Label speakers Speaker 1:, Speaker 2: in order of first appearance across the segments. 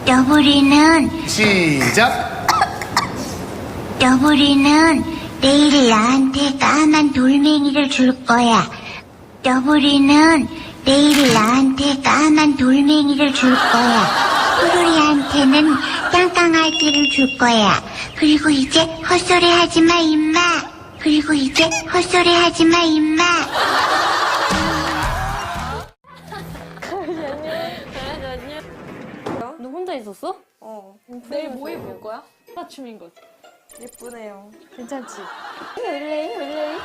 Speaker 1: 너구리는
Speaker 2: 시작.
Speaker 1: 너구리는 내일 나한테 까만 돌멩이를 줄 거야. 너구리는 내일 나한테 까만 돌멩이를 줄 거야. 푸르리한테는 깡깡알기를 줄 거야. 그리고 이제 헛소리 하지마 임마. 그리고 이제 헛소리 하지마 임마.
Speaker 3: 너 혼자 있었어?
Speaker 4: 내일 뭐 입을 거야?
Speaker 3: 맞춤인 거지.
Speaker 4: 예쁘네요.
Speaker 3: 괜찮지? 원래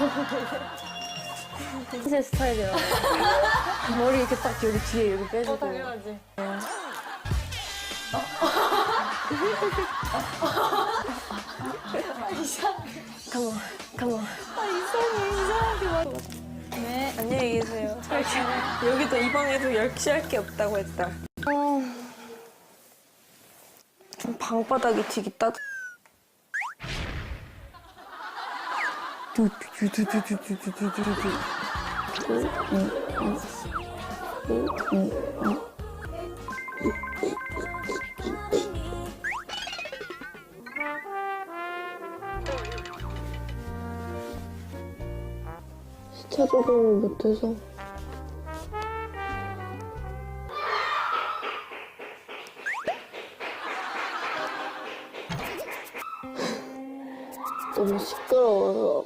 Speaker 3: 제 스타일이야. 머리 이렇게 딱 여기 뒤에 여기 빼주고.
Speaker 4: 당연하지.
Speaker 3: 가만.
Speaker 4: 네, 안녕히 계세요. 여기도 이 방에도 열취할 게 없다고 했다. 좀 방바닥이 되게 따뜻.
Speaker 3: 시차 적응을 못해서. 너무 시끄러워서.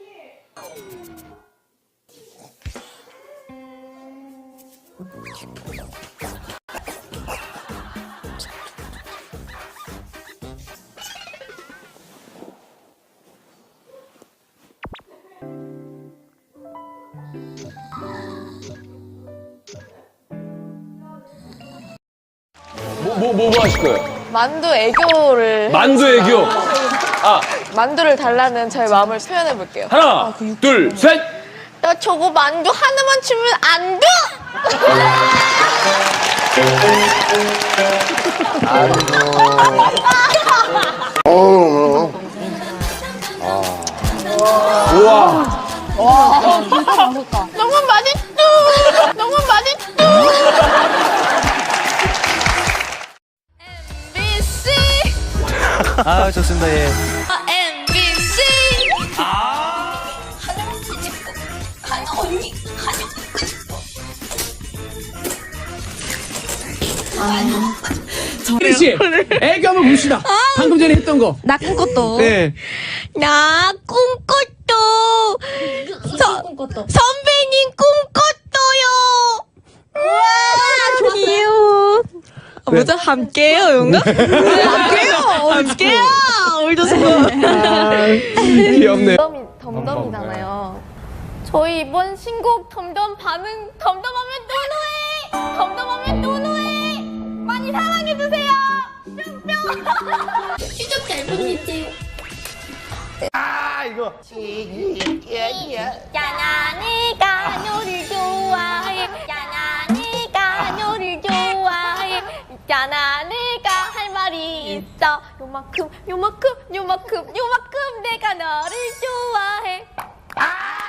Speaker 5: 뭐 하실 거예요?
Speaker 4: 만두 애교를.
Speaker 5: 만두 애교.
Speaker 4: 만두를 달라는 저의 마음을 표현해 볼게요.
Speaker 5: 하나, 둘, 셋.
Speaker 4: 나 저거 만두 하나만 주면 안 돼!
Speaker 5: 우와.
Speaker 4: 너무 맛있어! 너무 맛있어! MBC!
Speaker 6: 아, 좋습니다. 예.
Speaker 4: MBC!
Speaker 7: 혜리 씨, 애교 한번 봅시다. 방금 전에 했던 거.
Speaker 8: 나 꿈꿨도.
Speaker 7: 네.
Speaker 8: 나 꿈꿨도. 선배님 꿈꿨어요. 우와, 귀여워. 뭐죠? 함께요, 용가? 함께요. 우리도
Speaker 7: 귀엽네.
Speaker 4: 덤덤이잖아요. 저희 이번 신곡 덤덤 반응 덤덤하면 노노해! 덤덤하면 노노해! 많이 사랑해주세요! 뿅뿅!
Speaker 1: 추적 잘 보냈어요.
Speaker 5: 이거.
Speaker 4: 야나니가 너를 좋아해 야나니가 너를 좋아해 야나니가 할 말이 있어 요만큼 내가 너를 좋아해